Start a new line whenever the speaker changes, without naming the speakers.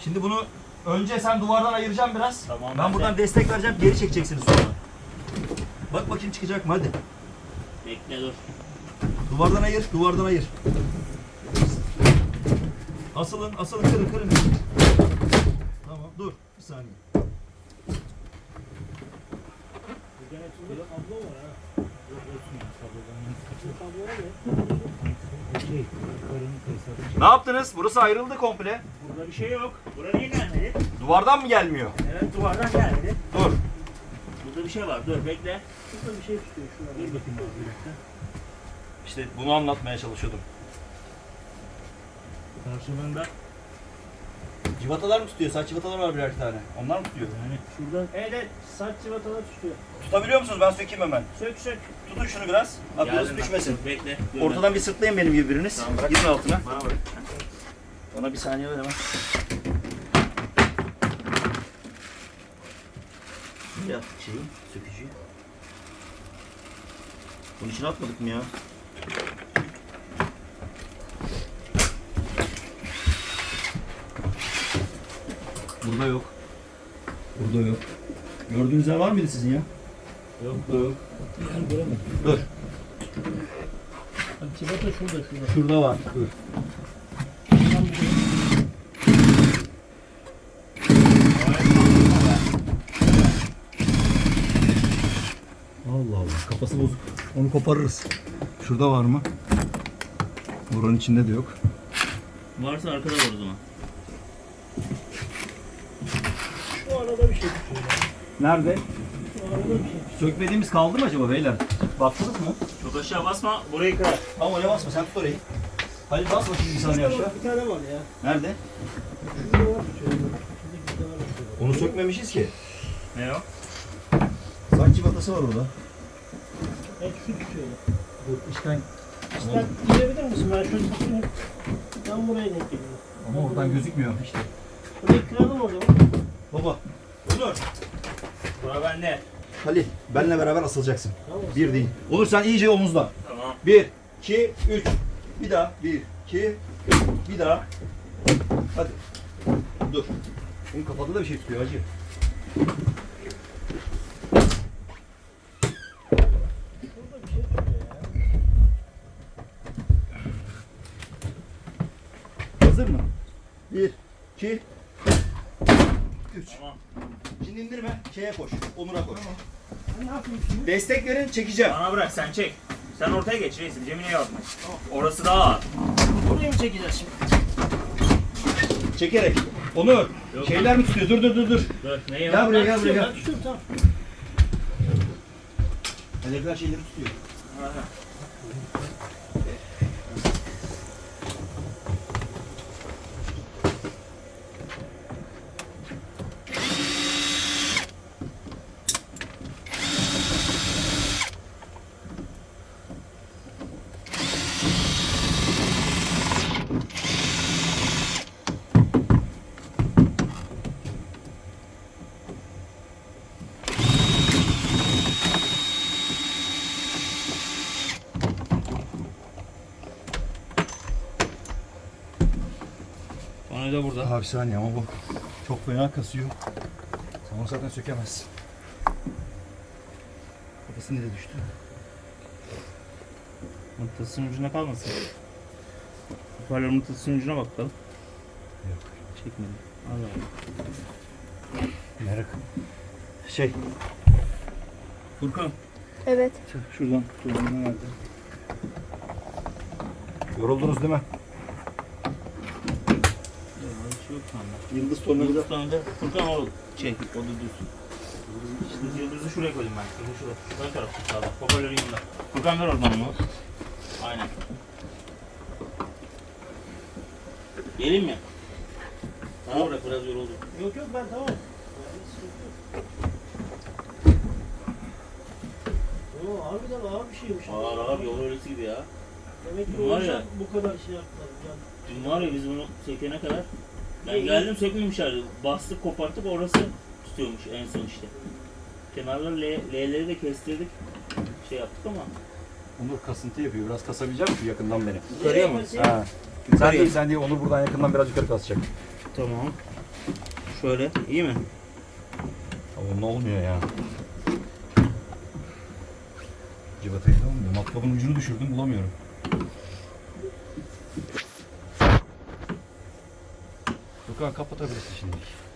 Şimdi bunu önce sen duvardan ayıracaksın biraz.
Tamam,
Ben buradan destek vereceğim. Geri çekeceksiniz sonra. Bak bakayım çıkacak mı hadi.
Bekle dur.
Duvardan ayır, duvardan ayır. Asılın, asılın, kırın, kırın. Tamam, dur. Bir saniye. Ne yaptınız? Burası ayrıldı komple.
Burada bir şey yok. Buraya niye gelmedi?
Duvardan mı gelmiyor?
Evet duvardan gelmedi.
Dur.
Burada bir şey var. Dur bekle. Burada bir şey tutuyor. Şuna dur bakayım abi bir dakika.
İşte bunu anlatmaya çalışıyordum.
Karşılığında
Civatalar mı tutuyor? Saç civatalar var birer tane. Onlar mı tutuyor?
yani şuradan evet saç cıvatalar tutuyor.
Tutabiliyor musunuz? Ben sökeyim hemen.
Sök sök.
Tutun şunu biraz. Aklınız
Geldim ben.
düşmesin.
Dur, bekle.
Ortadan bir sırtlayın benim gibi biriniz.
Tamam, bırak.
Girin altına.
Bana bırak.
Bana bir saniye ver hemen. Şimdi attık şeyi, sökücüyü. Bunun içine atmadık mı ya? Burada yok. Burada yok. Gördüğünüz yer var mıydı sizin ya?
Yok.
Yok.
Ben göremedim.
Dur.
Cıvata şurada şurada.
Şurada var. Dur. Allah Allah. Kafası bozuk. Onu koparırız. Şurada var mı? Buranın içinde de yok.
Varsa arkada var o zaman.
Şu arada bir şey tutuyor.
Nerede?
Şu arada bir şey.
Sökmediğimiz kaldı mı acaba beyler? Baktınız mı?
Çok aşağı basma. Burayı kırar.
Tamam oraya basma. Sen tut orayı. Hadi bas bakayım bir saniye aşağı.
Bir tane var ya.
Nerede?
Şurada var tutuyor. Şuradaki bir tane var tutuyor.
Onu sökmemişiz ki.
Ne o?
Saç civatası var orada.
Evet şu tutuyor.
Dur işten.
İster girebilir misin? Ben şöyle tutayım. Ben buraya denk geliyorum.
Ama oradan gözükmüyor işte.
Burayı kıralım o zaman.
Baba. Onur.
Bura bende.
Halil. Benle beraber asılacaksın.
Tamam.
Bir değil. Onur sen iyice omuzla.
Tamam.
1, 2, 3. Bir daha. 1, 2, 3. Bir daha. Hadi. Dur. Bunun kafada da bir şey tutuyor hacı.
Şurada bir şey tutuyor ya.
Hazır mı? 1, 2, 3.
Tamam.
Şimdi indirme. Şeye koş. Onur'a koş.
Ne yapayım şimdi?
Destek verin çekeceğim.
Bana bırak sen çek. Sen ortaya geç reisim. Cemile yazma. Orası daha ağır.
Burayı mı çekeceğiz şimdi?
Çekerek. Onur.
Yok.
Şeyler mi tutuyor? Dur.
Dur. Neyi
Gel buraya
Ben
gel buraya
tutuyorum,
gel.
ben tutuyorum, tamam.
Hedefler şeyleri tutuyor.
Bana da burada.
Abi saniye ama bu çok fena kasıyor. Sen onu zaten sökemezsin. Kafası nereye düştü?
Mıknatısın ucuna kalmasın. Hoparlör mıknatısın ucuna bakalım.
Yok.
Çekmedim. Allah Allah.
Merak. Şey.
Furkan.
Evet.
Şuradan nerede? Yoruldunuz değil mi?
Bir şey yok şu anda.
Yıldız tornavida.
Yıldız sonunda Furkan o çek. O da dursun. İşte yıldızı şuraya koydum ben. Yıldızı şuraya. Ön tarafta sağda. Hoparlörün yanında. Furkan ver oradan onu. Aynen. Geleyim mi? Bana bırak biraz yoruldum.
Yok ben tamam. Oo, harbiden ağır bir şeymiş.
Ağır ağır yol öylesi gibi ya.
Demek ki
Var
o yüzden
ya.
bu kadar şey yaptılar. Yani
Dün var ya biz bunu sökene kadar ben geldim sökmemişlerdi. Bastık koparttık orası tutuyormuş en son işte. Kenarları L'leri de kestirdik. Şey yaptık ama.
Onur kasıntı yapıyor. Biraz kasabilecek misin yakından beni?
Yukarıya mı?
Ha. Sen değil Onur buradan yakından biraz yukarı kasacak.
Tamam. Şöyle iyi mi?
Onunla olmuyor ya. Civatayı da olmuyor. Matkabın ucunu düşürdüm bulamıyorum. Gökhan kapatabilirsin şimdi.